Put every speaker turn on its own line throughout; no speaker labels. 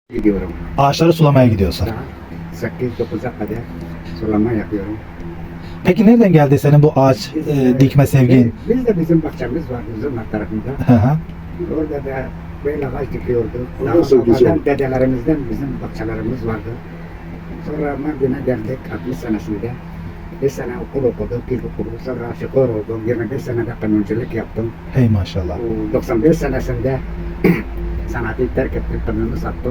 Gidiyorum.
Ağaçları sulamaya gidiyorsun.
Saat 8-9'a kadar sulama yapıyorum.
Peki nereden geldi senin bu ağaç dikme sevgin?
Biz de bizim bahçemiz var Zırnak tarafında.
Hı hı.
Orada da böyle ağaç dikiyorduk.
O
Daha
nasıl güzel?
babadan, dedelerimizden bizim bahçelerimiz vardı. Sonra Mardin'e geldik 60 senesinde. 5 sene okul okudum, pil okudum. Sonra şoför oldum. 25 senede kanunculuk yaptım.
Hey maşallah.
Bu 95 senesinde sanatı terk ettim, kanunu sattım.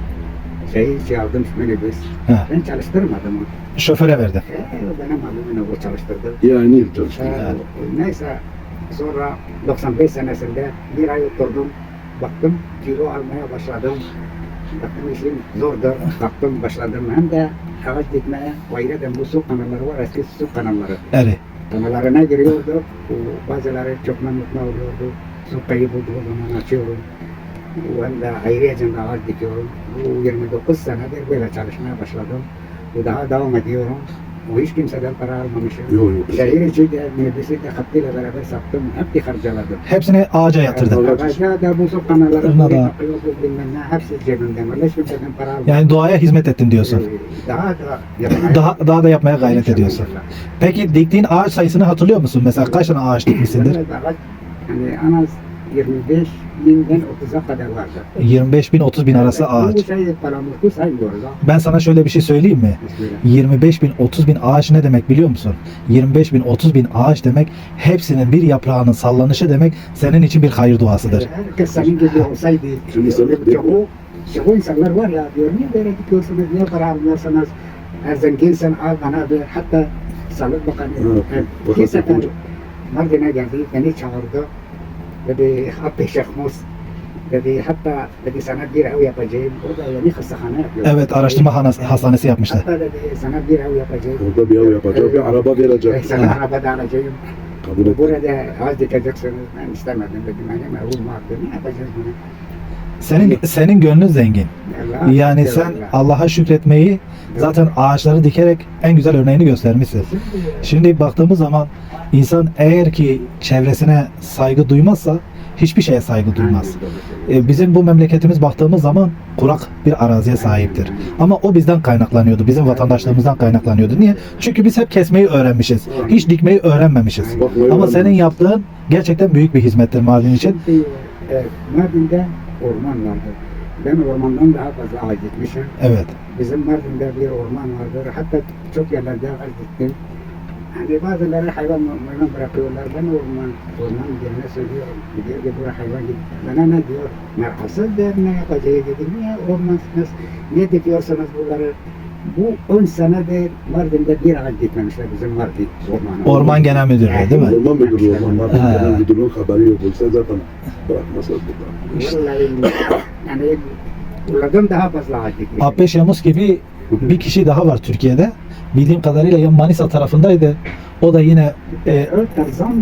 Şey aldım, minibüs.
He.
Ben çalıştırmadım onu.
Şoföre verdin.
O benim abimle o çalıştırdı.
Yani yıl çalıştım.
Neyse sonra 95 senesinde bir ay oturdum. Baktım kilo almaya başladım. Baktım işim zordur. Baktım başladım. Hem de ağaç dikmeye. O ayrıca bu su kanalları var. Eski su kanalları.
Evet.
Kanallarına giriyorduk. Bazıları çok mutlu oluyordu. Su kaybolduğu zaman açıyorum. Ben de ayrıca da ağaç dikiyorum. Bu 29 senedir böyle çalışmaya başladım. Bu daha devam ediyorum. Bu hiç kimseden para almamışım.
Yok, yok.
Şehir içi de minibüsü de hattıyla beraber sattım. Hep harcadım.
Hepsini ağaca yatırdın.
Ağaca da bu su kanalları
Ona da-
yapıyordu bilmem ne. Hepsi cebimden. Öyle hiç kimseden para almadım.
Yani doğaya hizmet ettin diyorsun.
Daha da yapmaya.
Daha da yapmaya gayret ediyorsun. Peki diktiğin ağaç sayısını hatırlıyor musun? Mesela kaç tane ağaç dikmişsindir?
Evet, ağaç, yani en az 25 binden 30'a kadar vardı.
25 bin 30 bin arası
Bu
ağaç.
şey paramızı saymıyoruz ha.
Ben sana şöyle bir şey söyleyeyim mi?
Bismillah.
25 bin 30 bin ağaç ne demek biliyor musun? 25 bin 30 bin ağaç demek hepsinin bir yaprağının sallanışı demek senin için bir hayır duasıdır.
Herkes senin gibi olsaydı.
Şimdi sen de-
Çoğu insanlar var ya diyor niye böyle dikiyorsunuz, niye para almıyorsunuz? Zenginsen al bana bir hatta Sağlık Bakanı
Evet,
bir sefer
bakan-
Mardin'e geldi, beni çağırdı. Dedi Abdi Şeyh Mus. Dedi hatta dedi sana bir ev yapacağım. O da yani hastahane yapıyor.
Evet, araştırma hastanesi yapmışlar.
Hatta dedi sana bir ev yapacağım.
Orada bir ev yapacak, bir araba verecek.
Sana araba da alacağım.
Kabul et.
Burada ağaç dikeceksiniz. Ben istemedim dedim. Benim evim vardı. Ne yapacağız bunu?
Senin gönlün zengin.
Allah,
Yani sen
Allah.
Allah'a şükretmeyi zaten ağaçları dikerek en güzel örneğini göstermişsin. Şimdi baktığımız zaman insan eğer ki çevresine saygı duymazsa hiçbir şeye saygı duymaz. Bizim bu memleketimiz baktığımız zaman kurak bir araziye sahiptir. Ama o bizden kaynaklanıyordu. Bizim vatandaşlığımızdan kaynaklanıyordu. Niye? Çünkü biz hep kesmeyi öğrenmişiz. Hiç dikmeyi öğrenmemişiz.
Bakmayı
Ama
öğrenmemiş.
senin yaptığın gerçekten büyük bir hizmettir Mardin için.
Şimdi, Mardin'de orman vardı. Ben ormandan daha fazla ağaç dikmişim.
Evet.
Bizim Mardin'de bir orman vardır. Hatta çok yerlerde ağaç diktim. Hani bazıları hayvan bırakıyorlar. Ben orman yerine söylüyorum. Diyor ki buraya hayvan git. Bana ne diyor? Merhasızdır, ne yapacağı dedim. Niye ormansınız? Niye dikiyorsunuz bunları? Bu 10 senedir Mardin'de bir ağaç dikmemişler bizim Mardin ormanı.
Orman Genel Müdürlüğü değil mi?
Orman müdürü, orman
Ha.
genel müdürlüğün haberi yok olsa zaten bırakmazlar burada.
Vallahi yani bunlardan daha fazla ağaç dikmiş.
Abbeş Yamuz gibi bir kişi daha var Türkiye'de. Bildiğim kadarıyla ya Manisa tarafındaydı. O da yine
Tarzan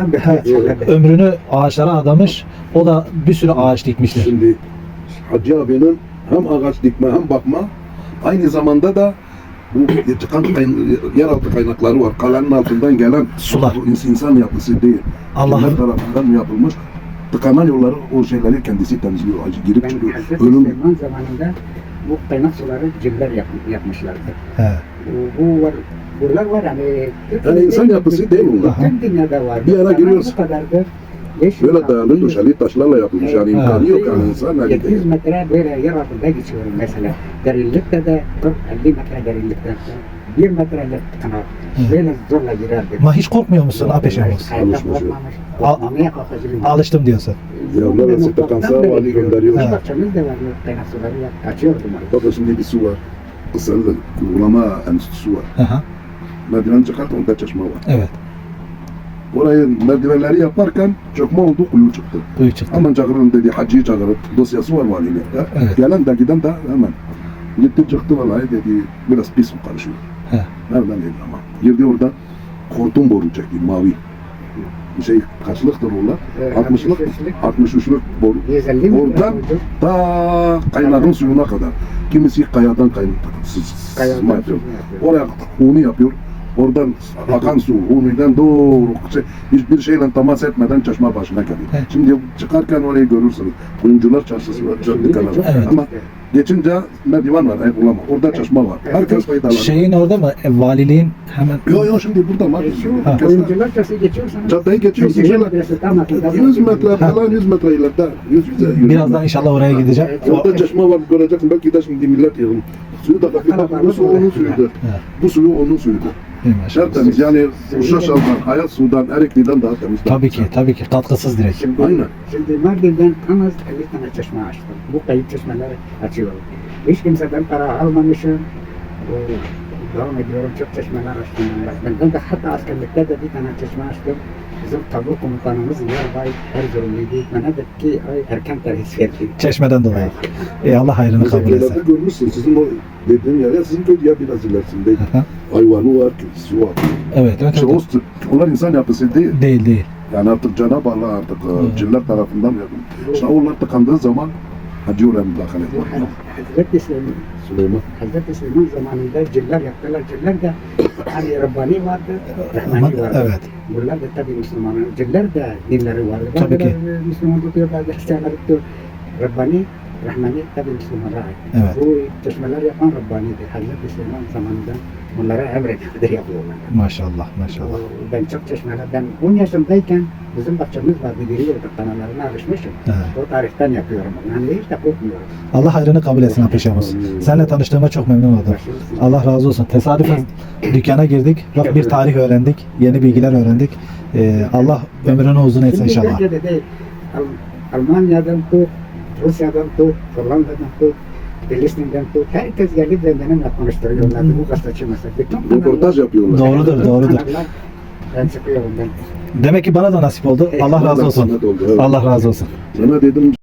ömrünü ağaçlara adamış. O da bir sürü ağaç dikmiştir.
Şimdi Hacı abinin hem ağaç dikme hem bakma aynı zamanda da bu çıkan yeraltı kaynakları var. Kalenin altından gelen
Sular.
bu insan yapısı değil.
Allah'ın-
Kimler tarafından yapılmış tıkanan yolları o şeyleri kendisi temizliyor. Hacı girip
Ben
çıkıyor.
Hazreti
Ölüm
Süleyman zamanında bu kaynak suları ciller yapmışlardı.
He.
Bu var, buralar var hani.
Yani insan yapısı değil bunlar.
Bütün dünyada var.
Bir ara
Ama
giriyoruz.
Bu kadardır. 500
böyle dayalı döşeli taşlarla yapılmış. Yani
Evet.
imkanı yok yani insan.
700 metre böyle yer altında geçiyorum mesela. Derinlikte de 40-50 metre derinlikte. 1 metrelik kanal. Böyle zorla girerdim.
Ama hiç korkmuyor musun Abbeş Yamuz?
Hayatta
Alışmış yok.
korkmamış.
Al-
Korkmamaya kalkacağım.
Alıştım diyorsun.
Ya neresi tıkansa vali gönderiyor.
Ha.
Bahçemiz de var. Kaynak suları açıyordum.
Bakın şimdi bir su var. Kısalı da uygulama enstitüsü var.
Hı hı.
Merdiven çıkarttı onda çeşme var.
Evet.
Orayı merdivenleri yaparken çökme oldu, kuyu çıktı.
Kuyu çıktı.
Hemen çağırın dedi, hacıyı çağırıp dosyası var valilikte.
Evet.
Gelen de giden de hemen. Gitti çıktı vallahi dedi, biraz pis mi karışıyor.
He.
Nereden dedi ama. Girdi orada, hortum boru çekti, mavi. Bir şey kaçlıktır onlar?
Evet,
60'lık, 63'lük boru.
150 mi?
Oradan ta kaynağın suyuna kadar. Kimisi kayadan sızma yapıyor. Oraya huni yapıyor. oradan akan su, Humi'den doğru hiçbir şeyle temas etmeden çeşme başına geliyor.
Evet.
Şimdi çıkarken orayı görürsünüz. Kuyumcular çarşısı var, cadde kenarı.
Evet.
Ama geçince merdiven var, Eyvallah. Orada çeşme var. Herkes faydalanıyor.
Şeyin orada mı? Valiliğin hemen
Yo şimdi burada var.
Şu oyuncular çarşı geçiyorsanız.
Caddeyi geçiyorsun.
Şehir
Şöyle
medresi tam altında.
100 metre falan 100 metre ileride. 100
birazdan inşallah oraya gideceğim.
Orada çeşme var göreceksin. Belki de şimdi millet yığın. Suyu da bak bu su onun suyuydu. Bu suyu onun suyuydu. Tertemiz yani Uşaşal'dan, Hayat Su'dan, Erikli'den daha temiz.
Tabii ki katkısız direkt.
Şimdi,
Aynen.
Şimdi Mardin'den en az 50 tane çeşme açtım. Bu kayıp çeşmeleri açıyorum. Hiç kimseden para almamışım. Devam ediyorum, çok çeşmeler açtım. Ben de hatta askerlikte de bir tane çeşme açtım. Bizim tabur komutanımız Yarbay Erzurumluydu. Bana dedi ki erken terhis verdi.
Çeşmeden dolayı. Allah hayrını kabul
Mesela
etsin.
görmüşsün sizin o dediğim yer ya sizin köy ya biraz ilerisinde.
Aha.
Hayvanı var, kilisi var.
Evet.
İşte onlar insan yapısı değil.
Değil.
Yani artık Cenab-ı Allah artık cinler tarafından yapın. İşte onlar tıkandığı zaman Hacı oraya müdahale
Bu
ediyor.
Hazreti
Süleyman.
Süleyman zamanında ciller yaptılar. Ciller de hani Rabbani vardı, Rahmani vardı.
Evet.
Bunlar da tabii Müslümanlar. Ciller de dinleri vardı.
Tabii ki.
Bazıları Müslüman tutuyor, bazı Hristiyanlar tutuyor. Rabbani, Rahmani tabii Müslümanlara ait.
Evet.
Bu çeşmeler yapan Rabbani'dir. Hazreti Süleyman zamanında bunlara emredilir yapıyorlar.
Maşallah.
Ben çok çeşmelerden 10 yaşındayken bizim bahçemiz vardı. Giriyorduk kanallarına alışmışım.
Evet.
O tarihten yapıyorum. Yani hiç de korkmuyorum.
Allah hayrını kabul etsin Apeşamız. Seninle tanıştığıma çok memnun oldum. Allah razı olsun. Tesadüfen dükkana girdik. Bak bir tarih öğrendik. Yeni bilgiler öğrendik. Allah ömrünü uzun etsin
Şimdi
inşallah.
Türkiye'de de Almanya'dan tut, Rusya'dan tut, Hollanda'dan tut, Filistin'den tut. Herkes gelip benimle konuşturuyorlardı bu gazeteci mesela. Bütün
Röportaj yapıyorlar.
Doğrudur.
kanallar ben çıkıyorum ben.
Demek ki bana da nasip oldu. Allah razı olsun.
Sana da oldu, evet.
Allah razı olsun.
Sana dedim